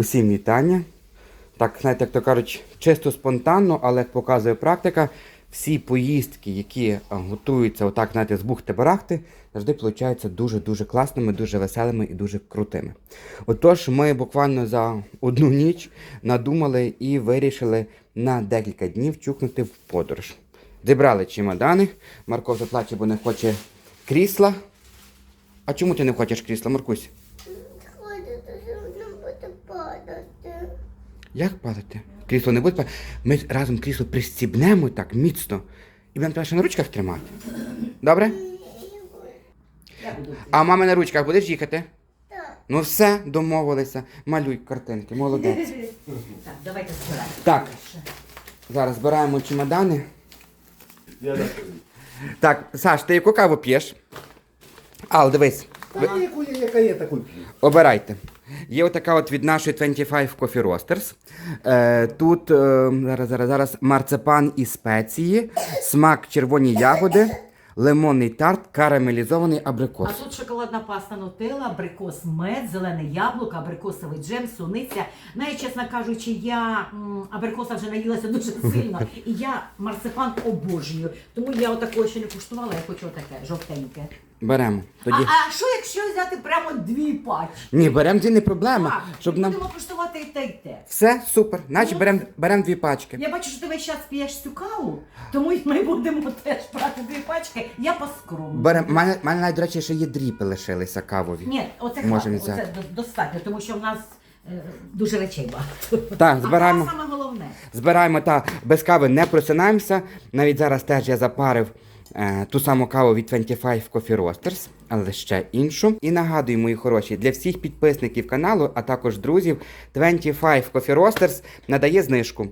Усім вітання. Так, знаєте, як то кажуть, чисто спонтанно, але як показує практика, всі поїздки, які готуються отак, знаєте, з бухти-барахти, завжди получаються дуже-дуже класними, дуже веселими і дуже крутими. Отож, ми буквально за одну ніч надумали і вирішили на декілька днів чукнути в подорож. Зібрали чемодани. Марко вже плаче, бо не хоче крісла. А чому ти не хочеш крісла, Маркусь? Як падати? Крісло не буде падати. Ми разом крісло пристібнемо так міцно і будемо тебе ще на ручках тримати. Добре? А мама на ручках будеш їхати? Так. Ну все, домовилися. Малюй картинки, молодець. Так, давайте збираємо. Так, зараз збираємо чемодани. Так, Саш, ти яку каву п'єш? Ал, дивись. Яка є, таку п'ю. Обирайте. Є отака от від нашої 25 Coffee Roasters. Тут зараз марципан і спеції, смак червоні ягоди, лимонний тарт, карамелізований абрикос. А тут шоколадна паста Нутелла, абрикос мед, зелене яблуко, абрикосовий джем, суниця. Навіть, чесно кажучи, я абрикоса вже наїлася дуже сильно. І я марципан обожнюю. Тому я отакого ще не куштувала, я хочу отаке, жовтеньке. Беремо. Тоді... А що якщо взяти прямо 2 пачки? Ні, беремо, це не проблема. Так, Щоб і нам... будемо куштувати і те, і те. Все, супер. Значить, беремо 2 пачки. Я бачу, що ти весь час п'єш цю каву, тому ми будемо теж брати 2 пачки. Я по-скромному. Беремо. У мене навіть, до речі, ще є дріпи лишилися кавові. Ні, оце Можемо хватить, взяти. оце достатньо, тому що в нас дуже речей багато. Так, збираємо. А саме головне. Збираємо та без кави не просинаємося. Навіть зараз теж я запарив ту саму каву від 25 Coffee Roasters, але ще іншу. І нагадую, мої хороші, для всіх підписників каналу, а також друзів, 25 Coffee Roasters надає знижку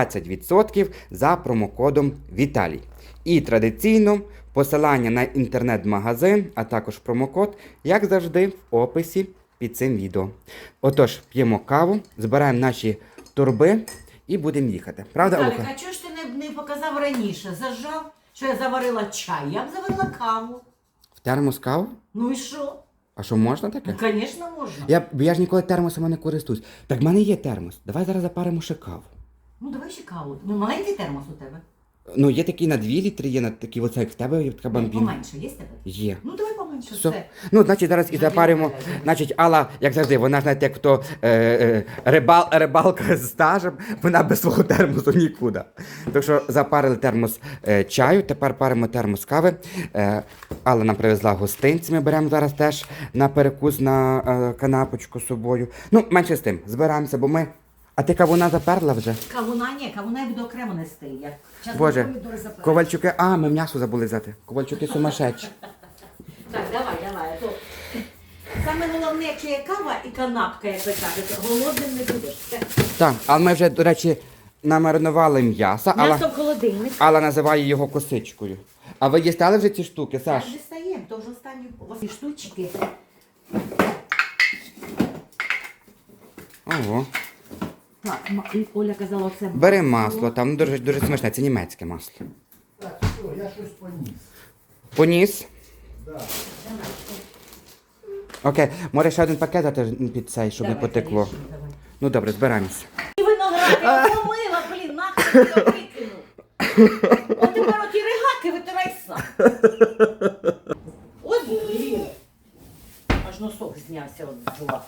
20% за промокодом Віталій. І традиційно посилання на інтернет-магазин, а також промокод, як завжди, в описі під цим відео. Отож, п'ємо каву, збираємо наші торби і будемо їхати. Правда, Віталік, Олега? а чого ж ти не показав раніше? Зажав, що я заварила чай, я б заварила каву. В термос каву? Ну і що? А що, можна таке? Ну, звісно, можна. Я ж ніколи термосами не користуюсь. Так в мене є термос. Давай зараз запаримо ще каву. Ну, давай ще каву. Ну, маленький термос у тебе. Ну, є такий на 2 літри, є на такий, оце як в тебе, є така бомбіна. Поменше, є в тебе? Є. Ну, давай поменше, Все. все. Ну, значить, зараз і запаримо. Значить, Алла, як завжди, вона, знаєте, як то рибалка з стажем, вона без свого термосу нікуди. Так що запарили термос чаю, тепер паримо термос кави. Алла нам привезла гостинці, ми беремо зараз теж на перекус на канапочку з собою. Ну, менше з тим, збираємося, бо ми... А ти кавуна заперла вже? Кавуна я буду окремо нести. Я чесно, Боже, помідори заперла. Ковальчуки, ми м'ясо забули взяти. Ковальчуки сумасшедші. Так, давай. То саме головне, якщо є кава і канапка, як ви кажете, голодним не будеш. Все. Так, але ми вже, до речі, намаринували м'ясо. М'ясо в холодильник. Алла називає його косичкою. А ви дістали вже ці штуки, Саш? Так, дістаємо, то вже останні штучки. Ого. Так, і Оля казала, це Бери масло, там дуже смачне, це німецьке масло. Так, все, я щось поніс. Поніс? Да. Окей, може ще один пакет дати під цей, щоб не потекло. Ну добре, збираємося. І виноград я помила, блін, нахуй я викину. От тепер оті ригаки витирай сам. От блін. Аж носок знявся от зла.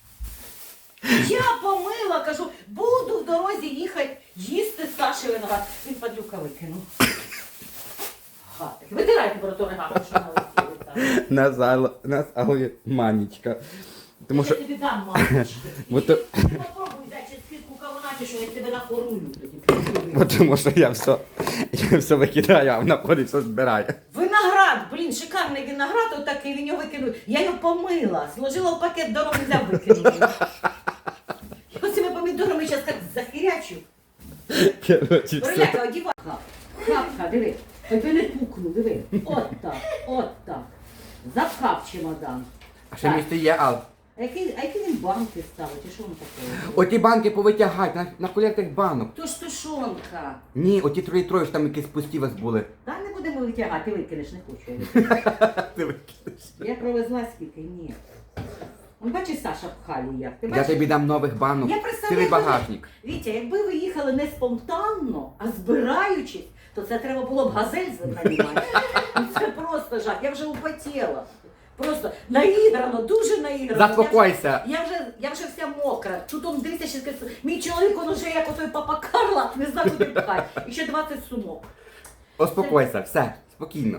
Я помила, кажу, буду в дорозі їхати, їсти Саші виноград. Він падлюка викинув. Гатик. Витирайте про ту ригаку, що налетіли там. Нас Аллі манічка. Тому що... Я тобі дам, мамочки. Бо то- Попробуй, дай через скидку кавунаті, що я тебе нахорую тоді. Бо тому що я все викидаю, а вона ходить, все збирає. Виноград, блін, шикарний виноград, отакий, він його викинув. Я його помила, сложила в пакет, дорогу взяв викинути. Оцими помідорами зараз так захирячу. Короче, все. Переляка, одівай. Хапка, диви. Тебе не пукну, диви. От так. Запхав чемодан. А ще місце є, Ал. А які він банки ставить? І що він таке? Оті банки повитягай, на колір тих банок. То ж тушонка. Ні, оті 3-літрові ж там якісь пусті у вас були. Та не будемо витягати, викинеш, не хочу. Ти викинеш. Я провезла скільки? Ні. Он бачиш, Саша пхає як. Ти Я бачиш? тобі дам нових банок, Я цілий представляю, багажник. Вітя, якби ви їхали не спонтанно, а збираючись, то це треба було б газель нанімати. Ну, це просто жах. Я вже употіла. Просто наіграно, дуже наіграно. Заспокойся. Я вже вся мокра. Чутом дивися, ще скажу, мій чоловік, він уже як отой папа Карла, не знаю, куди пхає. І ще 20 сумок. Успокойся, все, спокійно.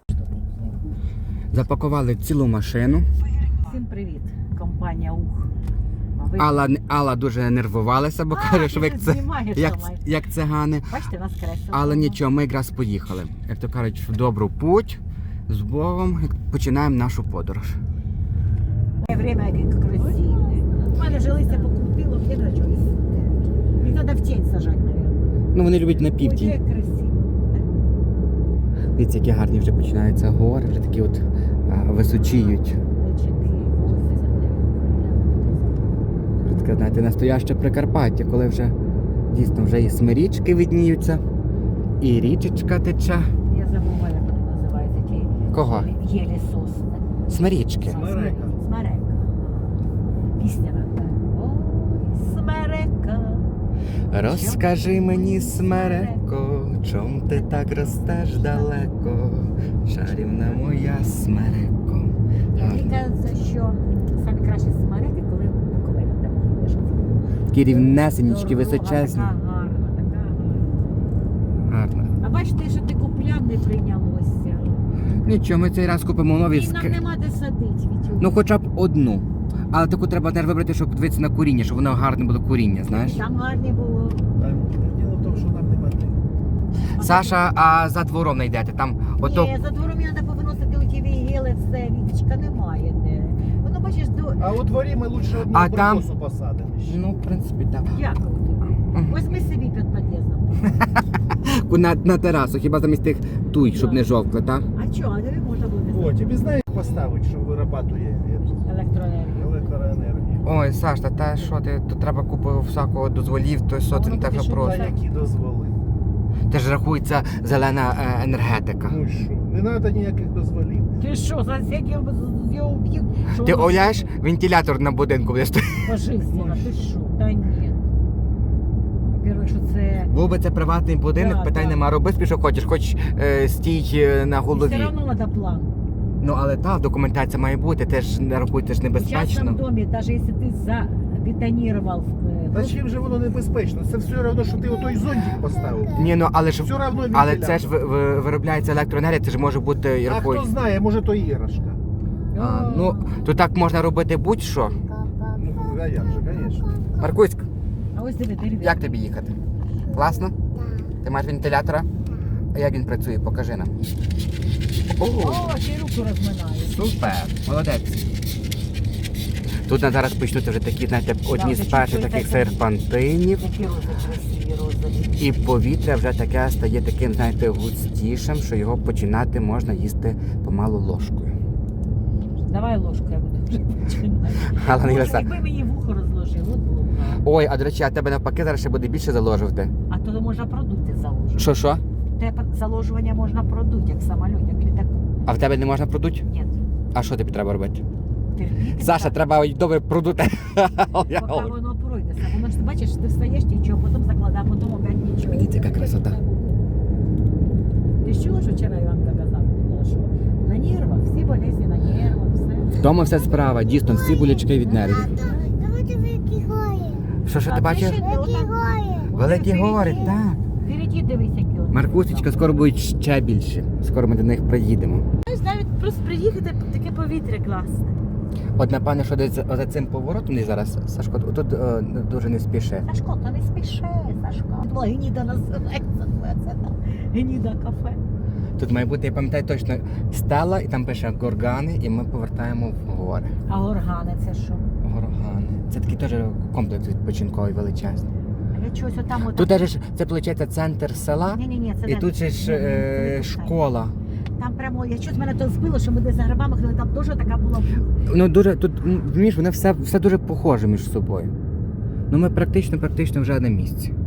Запакували цілу машину. Всім привіт, компанія УХ. Алла дуже нервувалася, бо каже, що ви як цигани. Бачите, нас кресло. Але нічого, ми якраз поїхали. Як то кажуть, в добру путь, з Богом, і починаємо нашу подорож. Время яке красиве. У мене вже листя покрутило, я не чого. Їх треба в тінь сажати, мабуть. Ну вони люблять на Ой, південь. як красиво. Дивіться, які гарні вже починаються гори, вже такі от височіють. Вже таке, знаєте, настояще Прикарпаття, коли вже дійсно вже і смирічки видніються, і річечка тече. Я забула, як вони називаються, ті Кого? єлі сосни. Смирічки. Смерека. Смерека. Пісня така. Ой, смерека. Розкажи мені, смереко, чом ти так ростеш далеко, чарівна моя смереко. Мені кажеться, що самі кращі смереки, коли в Буковелі там їдеш. Такі рівнесенічки, Дорога височезні. Така гарна, така гарна. Гарно. А бачите, що ти купляв, не прийнялося. Нічого, ми цей раз купимо нові І нам нема де садить, Вітю. Ну хоча б одну. Але таку треба теж вибрати, щоб подивитися на коріння, щоб воно гарне було коріння, знаєш? Там гарні було. Там діло в тому, що нам нема де. Саша, а за двором не йдете? Там ото. Ні, за двором мені треба повиносити у ті вігіли, все, Вітечка, немає де. Воно, бачиш, А у дворі ми лучше одну А там- абрикосу посадимо. ще. Ну, в принципі, так. Дякую тобі. Ось ми собі під під'їздом. На терасу, хіба замість тих туй, щоб не жовкли, так? А чого, а тобі можна буде О, тобі знаєш, поставити, що вирабатує електроенергію. електроенергію. Ой, Саш, та що ти, тут треба купу всякого дозволів, то що це не так вже Та просто. які дозволи? Це ж рахується зелена енергетика. Ну і що? Не треба ніяких дозволів. Ти що, сусідів з його вб'ють? Що Ти воно уявляєш, вентилятор на будинку буде стояти. пожизненно, ти що? Та ні. Во-первых, що це... Був би це приватний будинок, Да, питань да. нема, роби собі, що хочеш, хоч стій на Все голові. одно треба план. Ну але так, документація має бути, теж не рахуйте ж В частном небезпечно. домі, навіть якщо ти забетонував... Та чим же воно небезпечно? Це все одно, що ти отой зонтик поставив. Ні, ну але ж Все одно але це ж виробляється електроенергія, це ж може бути і А рахуй. хто знає, може то іграшка. Ну, то так можна робити будь-що. Ну, а як же, звісно. Маркуськ, А ось диви, дерев'я. як тобі їхати? Класно? Ти маєш вентилятора? А як він працює? Покажи нам. О, О, ще й руку розминає. супер, молодець. Тут на зараз почнуть вже такі, знаєте, одні з вже перших чуть-чуть таких таке. серпантинів. Які рози красиві, розові. І повітря вже таке стає таким, знаєте, густішим, що його починати можна їсти помалу ложкою. Давай ложку, я буду вже починати. Але не Боже, краса. якби мені вухо розложив, от було б гарно. Ой, а до речі, а тебе навпаки зараз ще буде більше заложувати. А то можна продути заложувати. Що? Те заложування можна продути, як самоліт, як літаку. А в тебе не можна продуть? Ні. А що тобі треба робити? Терпіти. Саша, так, треба добре продути. Поки воно пройде. Воно ж, бачиш, ти встаєш нічого, потім закладає, потім опять нічого. Дивіться, яка красота. Ти ж чула, що вчора Іванка казав? Що на нервах, всі болезні на нервах, все. Вдома вся справа, дійсно, всі болячки від нервів. Давайте великі гори. Що А ти бачиш? ще Великі отак- гори. Великі гори, так. Впереді дивись, які от. Маркусечка, скоро будуть ще більше. Скоро ми до них приїдемо. Знаєш, навіть просто приїхати, таке повітря класне. От напевне, що десь за цим поворотом десь зараз, Сашко, тут дуже не спіши. Сашко, то не спіши, Сашко. Була Геніда називається, це там Геніда кафе. Тут має бути, я пам'ятаю точно, стела, і там пише горгани, і ми повертаємо в гори. А горгани це що? Горгани. Це такий теж комплекс відпочинковий величезний. А я чогось отам отак. Тут теж ж, це виходить центр села, Ні, це і не- тут же ж Ні, це не школа. Там прямо, я щось мене то збило, що ми десь за грибами ходили, там дуже така була. Ну дуже тут, розумієш, воно все дуже похоже між собою. Ну ми практично вже на місці.